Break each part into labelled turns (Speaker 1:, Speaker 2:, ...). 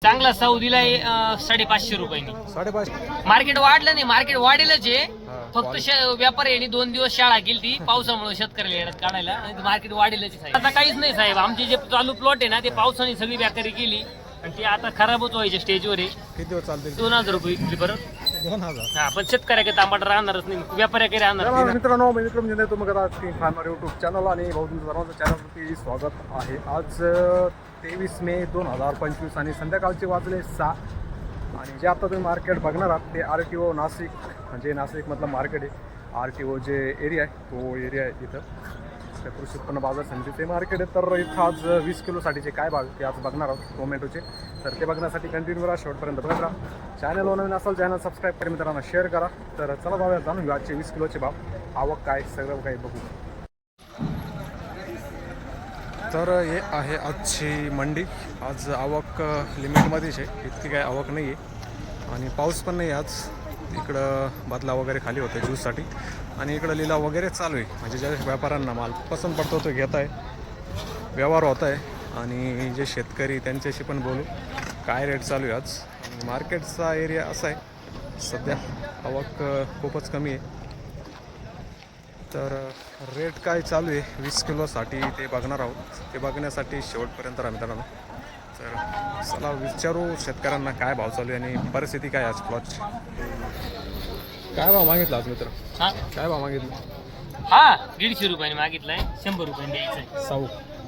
Speaker 1: चांगला सौदीला 550 रुपयांनी.
Speaker 2: 550.
Speaker 1: मार्केट वाढलं नाही, मार्केट वाढेलच आहे.
Speaker 2: हा,
Speaker 1: फक्त व्यापारी यांनी 2 दिवस शाळा केली ती पावसामुळे शेतकऱ्याला येण्यात काढायला. मार्केट वाढेलच आहे साहेब. आता काहीच नाही साहेब, आमचे जे चालू प्लॉट आहे ना ते पावसाने सगळी व्यापारी केली आणि ते आता खराबच व्हायचे स्टेजवर आहे.
Speaker 2: किती दिवस चालतील?
Speaker 1: 2000 रुपये विकली परत.
Speaker 2: 2000.
Speaker 1: हा, पण शेतकऱ्याकडे तांबट राहणारच नाही, व्यापाऱ्याकडे राहणार.
Speaker 2: मित्रांनो, मी विक्रम जिंदे तुम्ही करा स्क्रीन फार्मर यूट्यूब चॅनल आणि भाऊ तुमचं सर्वांचं चॅनलवरती स्वागत आहे. आज 23 मे 2025 आणि संध्याकाळचे वाजले 6 आणि जे आता तुम्ही मार्केट बघणार आहात ते RTO नाशिक, म्हणजे नाशिकमधलं मार्केट आहे. RTO जे एरिया आहे तो एरिया आहे इथं त्या कृषी उत्पन्न बाजार समितीचे मार्केट आहे. तर इथं आज 20 किलोसाठीचे काय भाव ते आज बघणार आहोत टोमॅटोचे. तर ते बघण्यासाठी कंटिन्यू करा, शेवटपर्यंत बघत राहा. चॅनलवर नवीन असाल चॅनल सबस्क्राईब करा, मित्रांना शेअर करा. तर चला भाव जाणून घेऊ आजचे 20 किलोचे भाव, आवक काय सगळं काही बघू. तर हे आहे आजची मंडी. आज आवक लिमिटमध्येच आहे, इतकी काय आवक नाही आहे आणि पाऊस पण नाही आज. इकडं बदला वगैरे खाली होते ज्यूससाठी आणि इकडं लिलाव वगैरे चालू आहे. म्हणजे ज्या व्यापाऱ्यांना माल पसंत पडतो तो घेत आहे, व्यवहार होत आहे. आणि जे शेतकरी त्यांच्याशी पण बोलू काय रेट चालू आहे आज. आणि मार्केटचा एरिया असा आहे सध्या आवक खूपच कमी आहे. तर रेट काय चालू आहे 20 किलोसाठी ते बघणार आहोत. ते बघण्यासाठी शेवटपर्यंत राहा मित्रांनो. तर चला विचारू शेतकऱ्यांना काय भाव चालू आहे आणि परिस्थिती काय आज प्लॉटची. काय भाव मागितला आज मित्र? काय भाव मागितला?
Speaker 1: हा 150 रुपयाने मागितलाय, 100 रुपयाने द्यायचंय.
Speaker 2: साऊ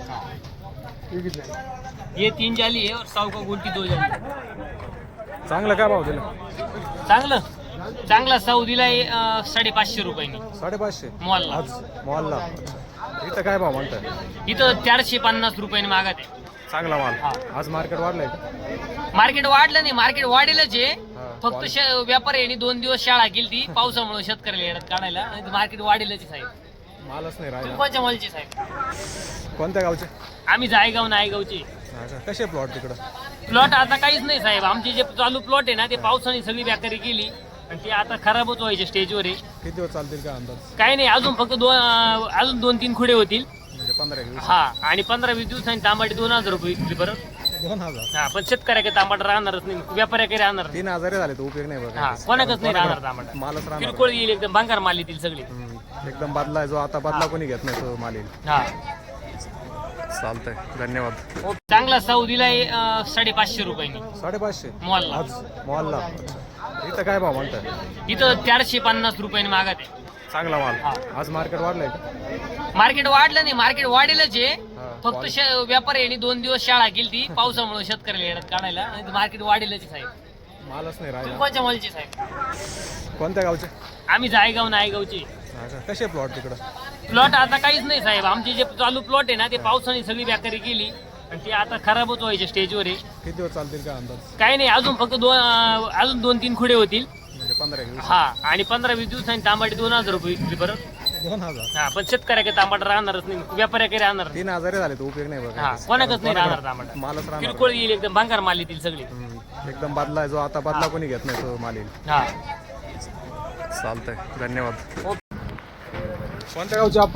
Speaker 1: ये 3 जाली है और 100 का गुलटी 2 जाली.
Speaker 2: चांगला काय भाव दिला?
Speaker 1: चांगला सौदीला 550 रुपयांनी.
Speaker 2: 550
Speaker 1: मॉलला.
Speaker 2: आज मॉलला. इथं काय भाव म्हणताय?
Speaker 1: इथं 450 रुपयाने मागत आहे.
Speaker 2: चांगला माल.
Speaker 1: हा.
Speaker 2: आज मार्केट वाढलंय का?
Speaker 1: मार्केट वाढलं नाही, मार्केट वाढेलच आहे.
Speaker 2: हा,
Speaker 1: फक्त व्यापारी यांनी 2 दिवस शाळा केली ती पावसामुळे शेतकऱ्याला येण्यात काढायला. मार्केट वाढेलच आहे साहेब.
Speaker 2: मालच नाही राहिला.
Speaker 1: कोणत्या मालचे साहेब?
Speaker 2: कोणत्या गावचे?
Speaker 1: आम्ही जायगाव नायगावचे.
Speaker 2: अच्छा, कसे प्लॉट तिकडं?
Speaker 1: प्लॉट आता काहीच नाही साहेब, आमचे जे चालू प्लॉट आहे ना ते पावसाने सगळी व्यापारी केली आणि ते आता खराबच व्हायचे स्टेजवर आहे.
Speaker 2: किती दिवस चालतील का अंदाज?
Speaker 1: काही नाही, अजून फक्त अजून 2-3 खुडे होतील.
Speaker 2: म्हणजे 15 दिवस.
Speaker 1: हा, आणि 15-20 दिवसांनी तांबाटी 2000 रुपये विकली परत.
Speaker 2: 2000.
Speaker 1: हा, पण शेतकऱ्याकडे तांबाट राहणारच नाही, व्यापाऱ्याकडे राहणार.
Speaker 2: 3000 झाले तर उपयोग नाही बघा.
Speaker 1: हा, कोणाकच नाही राहणार तांबाट.
Speaker 2: मालच राहणार.
Speaker 1: किरकोळ येईल, एकदम भंगार माल येतील सगळे.
Speaker 2: एकदम बदला जो आता बदला कोणी घेत नाही तो माल येईल.
Speaker 1: हा,
Speaker 2: चालतंय, धन्यवाद.
Speaker 1: चांगला सौदीला 550 रुपयांनी.
Speaker 2: 550
Speaker 1: मॉलला.
Speaker 2: आज मॉलला. इथं काय भाव म्हणताय?
Speaker 1: इथं 450 रुपयाने मागत आहे.
Speaker 2: चांगला माल.
Speaker 1: हा.
Speaker 2: आज मार्केट वाढलंय का?
Speaker 1: मार्केट वाढलं नाही, मार्केट वाढेलच आहे.
Speaker 2: हा,
Speaker 1: फक्त व्यापारी यांनी 2 दिवस शाळा केली ती पावसामुळे शेतकऱ्याला येण्यात काढायला. मार्केट वाढेलच आहे साहेब.
Speaker 2: मालच नाही राहिला.
Speaker 1: कोणत्या मालचे साहेब?
Speaker 2: कोणत्या गावचे?
Speaker 1: आम्ही जायगाव नायगावचे.
Speaker 2: अच्छा, कसे प्लॉट तिकडं?
Speaker 1: प्लॉट आता काहीच नाही साहेब, आमचे जे चालू प्लॉट आहे ना ते पावसाने सगळी व्यापारी केली आणि ते आता खराबच व्हायचे स्टेजवर आहे.
Speaker 2: किती दिवस चालतील का अंदाज?
Speaker 1: काही नाही, अजून फक्त अजून 2-3 खुडे होतील.
Speaker 2: म्हणजे 15 दिवस.
Speaker 1: हा, आणि 15-20 दिवसांनी तांबाटी 2000 रुपये विकली परत.
Speaker 2: 2000.
Speaker 1: हा, पण शेतकऱ्याकडे तांबाट राहणारच नाही, व्यापाऱ्याकडे राहणार.
Speaker 2: 3000 झाले तर उपयोग नाही बघा.
Speaker 1: हा, कोणाकच नाही राहणार तांबाट.
Speaker 2: मालच राहणार.
Speaker 1: किरकोळ येईल, एकदम भंगार माल येतील सगळे.
Speaker 2: एकदम बदला जो आता बदला कोणी घेत नाही तो माल येईल.
Speaker 1: हा,
Speaker 2: चालतंय, धन्यवाद. कोणत्या गावचे आपण?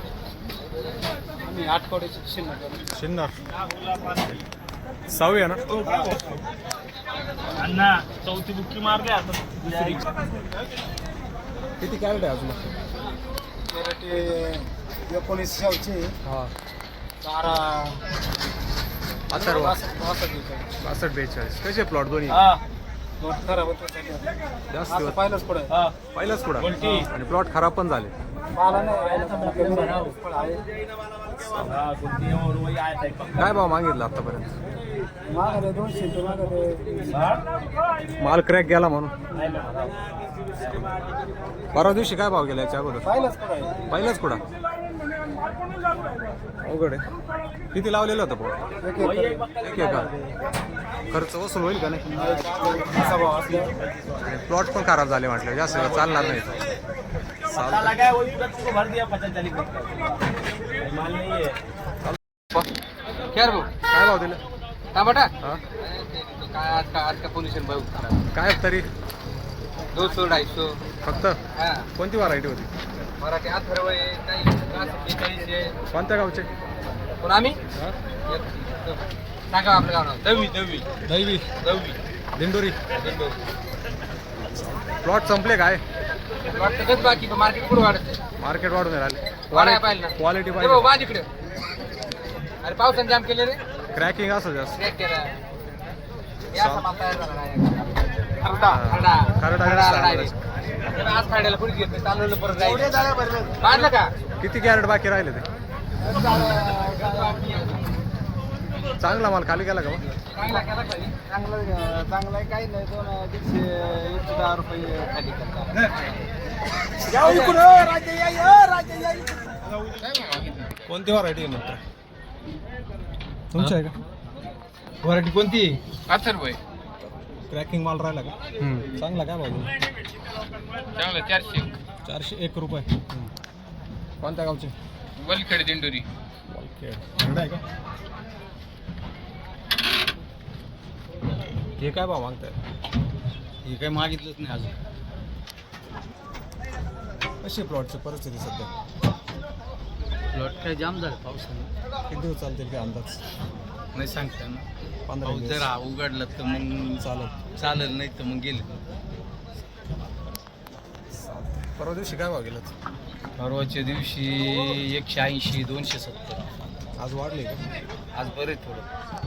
Speaker 2: शिन्नर. साऊ आहे ना?
Speaker 1: अण्णा चौथी बुक्की मारले आता.
Speaker 2: किती कॅरेट आहे अजून?
Speaker 3: 1900
Speaker 2: हा. 62-42 कसे प्लॉट दोन्ही?
Speaker 3: खराब होतो
Speaker 2: जास्त दिवस
Speaker 3: पाहिलंच पुढे
Speaker 2: पहिलाच कुठं आणि प्लॉट खराब पण झाले. काय भाव मागितला आतापर्यंत?
Speaker 3: मागं 200 ते मागं
Speaker 2: माल क्रॅक गेला म्हणून. परवा दिवशी काय भाव गेला याच्या अगोदर?
Speaker 3: पाहिलंच पुढे
Speaker 2: पहिलाच कुठं अवघड आहे. किती लावलेलं होतं भाऊ? एक एकर. खर्च वसूल होईल का नाही? प्लॉट पण खराब झाले म्हटलं, जास्त चालणार नाही. काय भाव दिलं?
Speaker 3: टमाटा
Speaker 2: हा,
Speaker 3: काय आज का पोल्युशन
Speaker 2: काय तरी
Speaker 3: 200-250
Speaker 2: फक्त? कोणती व्हरायटी होती?
Speaker 3: मराठी अथर्व आहे, काही 42 आहे.
Speaker 2: कोणत्या गावचे?
Speaker 3: पण आम्ही
Speaker 2: हा?
Speaker 3: सांगा आपलं गाव नाव. दवी
Speaker 2: दैवी
Speaker 3: दवी
Speaker 2: दिंडोरी प्लॉट संपले काय
Speaker 3: वाटतं कच बाकी मार्केट कुठं वाढत
Speaker 2: मार्केट वाढून राहिले
Speaker 3: वाढायला पाहिजे ना.
Speaker 2: क्वालिटी
Speaker 3: हो,
Speaker 2: पाहिजे
Speaker 3: वाज इकडे. अरे पावसाने जाम केले रे.
Speaker 2: क्रॅकिंग असं जास्त
Speaker 3: Crack केला. या सामान तयार झाला नाही. खरडा
Speaker 2: खरडा
Speaker 3: direct. आज खायला कुठे घेत नाही. चालवलं परत जायचं. काढलं का
Speaker 2: किती कॅरेट बाकी राहिले ते चांगला माल खाली गेला का मग?
Speaker 3: चांगला केला पाहिजे.
Speaker 4: चांगलं आहे काही नाही 210 रुपये खाली करतात.
Speaker 2: कोणती व्हरायटी आहे मित्र तुमची आहे का
Speaker 4: व्हरायटी कोणती?
Speaker 3: अथर्व आहे.
Speaker 2: क्रॅकिंग माल राहिला का चांगला काय भाऊ
Speaker 3: चांगलं 400.
Speaker 2: 401 रुपये कोणत्या गावचे
Speaker 3: वलखेड दिंडोरी.
Speaker 2: थंड आहे का हे काय भाव मागताय
Speaker 4: हे काही मागितलंच नाही अजून.
Speaker 2: कशी प्लॉटची परिस्थिती सध्या
Speaker 4: प्लॉट काय जाम झालं पावसाने.
Speaker 2: किती दिवस चालतील काय अंदाज
Speaker 4: नाही सांगता ना.
Speaker 2: 15
Speaker 4: पाऊस
Speaker 2: दिवस
Speaker 4: जर उघडला तर मग चालेल नाही तर मग गेले.
Speaker 2: परवा दिवशी काय भाव गेलात
Speaker 4: परवाच्या दिवशी 180 270.
Speaker 2: आज वाढले का
Speaker 4: आज बरे थोडं.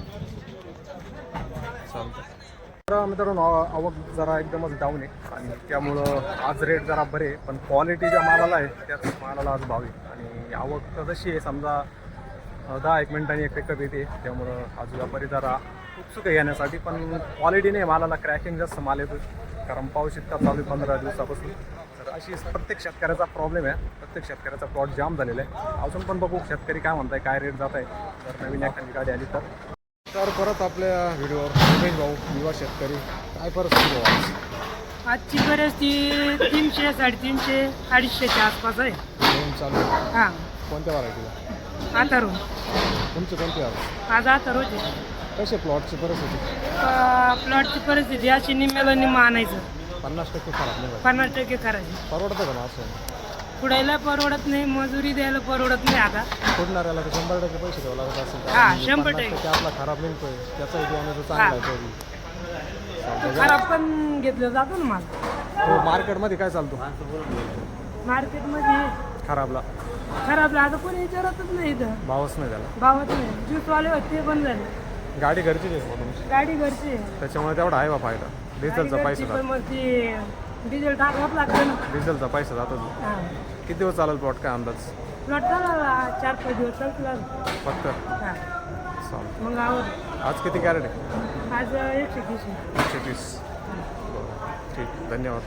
Speaker 2: चालतं तर मित्रांनो आवक जरा एकदमच डाऊन आहे आणि त्यामुळं आज रेट जरा बरे आहे, पण क्वालिटी ज्या मालाला आहे त्याच मालाला आज भाव आहे आणि आवक तर जशी आहे समजा 10-1 मिनिटांनी एक पिकअप येते त्यामुळं आज व्यापारी जरा उत्सुक आहे येण्यासाठी, पण क्वालिटी नाही मालाला क्रॅकिंग जास्त माल येतो कारण पाऊस इतका चालू आहे 15 दिवसापासून. तर अशी प्रत्येक शेतकऱ्याचा प्रॉब्लेम आहे, प्रत्येक शेतकऱ्याचा प्लॉट जाम झालेला आहे. अजून पण बघू शेतकरी काय म्हणताय काय रेट जात आहे जर नवीन एखादी गाडी आली तर. तर परत आपल्या व्हिडिओवर रमेश भाऊ युवा शेतकरी काय परिस्थिती भाऊ आज?
Speaker 5: आजची परिस्थिती 300 350 250च्या आसपास आहे.
Speaker 2: दोन चालू आहे.
Speaker 5: हां
Speaker 2: कोणत्या व्हरायटीला
Speaker 5: आथर्व
Speaker 2: तुमची कोणती आज
Speaker 5: आज आथर्वची
Speaker 2: कशी प्लॉटची परिस्थिती
Speaker 5: प्लॉटची परिस्थिती अशी निम्म्याला निम्म आणायचं
Speaker 2: 50% खराब नाही झाली.
Speaker 5: 50% करायची.
Speaker 2: परवडतं का ना असं
Speaker 5: पुढायला परवडत नाही, मजुरी द्यायला परवडत नाही. आता
Speaker 2: फुटणाऱ्याला तर 100% पैसे द्यावं लागत असेल तर.
Speaker 5: हा,
Speaker 2: आणि
Speaker 5: 100%.
Speaker 2: 50% आपला खराब निघतोय त्याचा बियाण्याचं चांगला आहे तरी.
Speaker 5: खराब पण घेतलं जातं ना माल
Speaker 2: हो मार्केटमध्ये काय चालतो
Speaker 5: मार्केटमध्ये.
Speaker 2: खराबला
Speaker 5: खराबला आता कोणी विचारतच नाही इथं,
Speaker 2: भावच नाही त्याला.
Speaker 5: भावत नाही. ज्यूसवाले होते ते पण झाले.
Speaker 2: गाडी घरचीच आहे मग तुमची
Speaker 5: गाडी घरची आहे.
Speaker 2: त्याच्यामुळे तेवढा आहे बा फायदा. डिझेलचा
Speaker 5: गाडी
Speaker 2: पैसा
Speaker 5: घरची, पण
Speaker 2: जातो
Speaker 5: मग ती डिझेल टाकावंच लागतं ना.
Speaker 2: डिझेलचा पैसा जातो
Speaker 5: हां
Speaker 2: किती दिवस चालेल प्लॉट काय अंदाज
Speaker 5: प्लॉट झाला 4-5 दिवस चालतो.
Speaker 2: फक्त
Speaker 5: हां
Speaker 2: चालेल.
Speaker 5: मग आवड
Speaker 2: आज किती कॅरेट आहे
Speaker 5: आज 130.
Speaker 2: 130. ठीक धन्यवाद.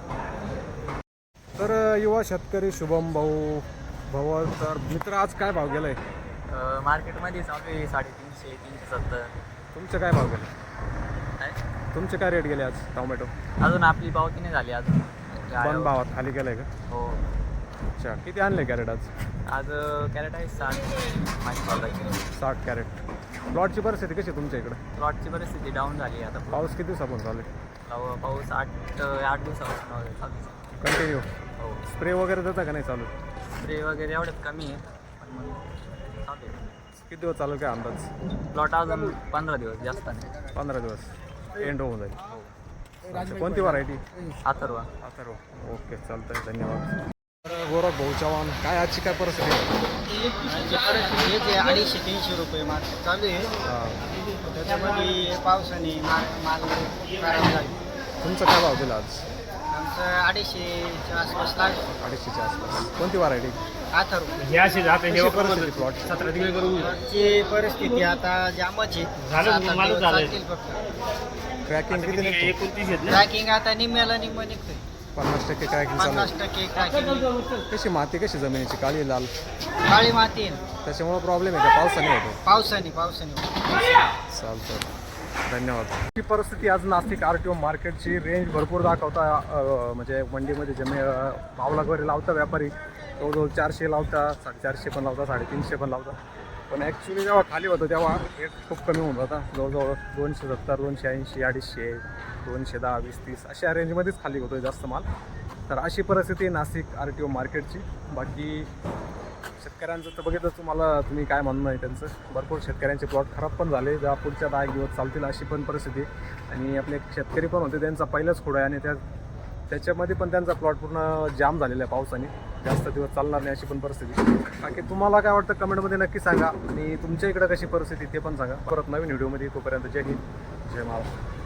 Speaker 2: तर युवा शेतकरी शुभम भाऊ भाऊ तर मित्र आज काय भाव गेलाय
Speaker 4: मार्केटमध्ये चालू आहे 350 370.
Speaker 2: तुमचे काय भाव गेले तुमचे काय रेट गेले आज टोमॅटो
Speaker 4: अजून आपली पावती नाही झाली अजून.
Speaker 2: पण भावात खाली गेलाय का
Speaker 4: हो
Speaker 2: अच्छा किती आणले कॅरेट आज
Speaker 4: आज कॅरेट आहे 60 माझी
Speaker 2: 60 कॅरेट. प्लॉटची परिस्थिती कशी आहे तुमच्या इकडे
Speaker 4: प्लॉटची परिस्थिती डाऊन झाली आहे आता.
Speaker 2: पाऊस किती दिवसापासून चालू आहे
Speaker 4: पाऊस 8 दिवसापासून चालू आहे.
Speaker 2: कंटिन्यू
Speaker 4: हो
Speaker 2: स्प्रे वगैरे देता का नाही चालू
Speaker 4: स्प्रे वगैरे एवढ्यात कमी आहे पण मग चालू आहे.
Speaker 2: किती दिवस चालू काय अंदाज
Speaker 4: प्लॉट अजून 15 दिवस जास्त नाही.
Speaker 2: 15 दिवस एंड होऊन जाईल. अच्छा, कोणती व्हरायटी
Speaker 4: अथर्व
Speaker 2: अथर्व ओके चालतंय धन्यवाद. तर गौरव भाऊ चव्हाण काय आजची काय परिस्थिती आहे?
Speaker 4: 250-300 रुपये मार्केट चालू आहे.
Speaker 2: हां.
Speaker 4: त्याच्यामध्ये पावसाने माल खराब झाली.
Speaker 2: तुमचा काय भाव दिला आज
Speaker 4: आमचं 250च्या आसपास लागलं.
Speaker 2: 250च्या आसपास. कोणती व्हरायटी
Speaker 4: अथर्व
Speaker 1: हे असे जाते हे
Speaker 2: परिस्थिती प्लॉट
Speaker 1: 17 दिवस करू
Speaker 4: ची परिस्थिती आता जामच आहे.
Speaker 1: झालं,
Speaker 4: 7-8
Speaker 1: मालच
Speaker 4: दिवस
Speaker 1: झालंय.
Speaker 4: चालतील फक्त.
Speaker 2: क्रॅकिंग किती निघतो
Speaker 1: 29 आहेत ना.
Speaker 4: ट्रॅकिंग आता निम्म्याला निम्म निघतोय.
Speaker 2: 50% क्रॅकिंग चालू आहे.
Speaker 4: 50% ट्रॅकिंग.
Speaker 2: कशी माती कशी जमिनीची काळी लाल
Speaker 4: काळी माती आहे ना.
Speaker 2: त्याच्यामुळे प्रॉब्लेम आहे का पावसाने होतो
Speaker 4: पावसाने
Speaker 2: चालतं धन्यवाद. ही परिस्थिती आज नाशिक RTO मार्केटची रेंज भरपूर दाखवता म्हणजे मंडीमध्ये भाव वगैरे लावता व्यापारी जवळजवळ 400 लावता 450 पण लावता 350 पण लावता, पण ॲक्च्युली जेव्हा खाली होतं तेव्हा रेट खूप कमी होऊन जाता जवळजवळ 270 280 250 210 20-30 अशा रेंजमध्येच खाली होतो जास्त माल. तर अशी परिस्थिती नाशिक RTO मार्केटची. बाकी शेतकऱ्यांचं तर बघितलं तुम्हाला, तुम्ही काय म्हणणं आहे त्यांचं. भरपूर शेतकऱ्यांचे प्लॉट खराब पण झाले, ज्या पुढच्या 10 दिवस चालतील अशी पण परिस्थिती आहे. आणि आपले शेतकरी पण होते, त्यांचा पहिलाच खोडा आहे आणि त्याच्यामध्ये पण त्यांचा प्लॉट पूर्ण जाम झालेला आहे पावसाने, जास्त दिवस चालणार नाही अशी पण परिस्थिती. बाकी तुम्हाला काय वाटतं कमेंटमध्ये नक्की सांगा आणि तुमच्या इकडं कशी परिस्थिती ते पण सांगा. परत नवीन व्हिडिओमध्ये तोपर्यंत जय हिंद जय महाराष्ट्र.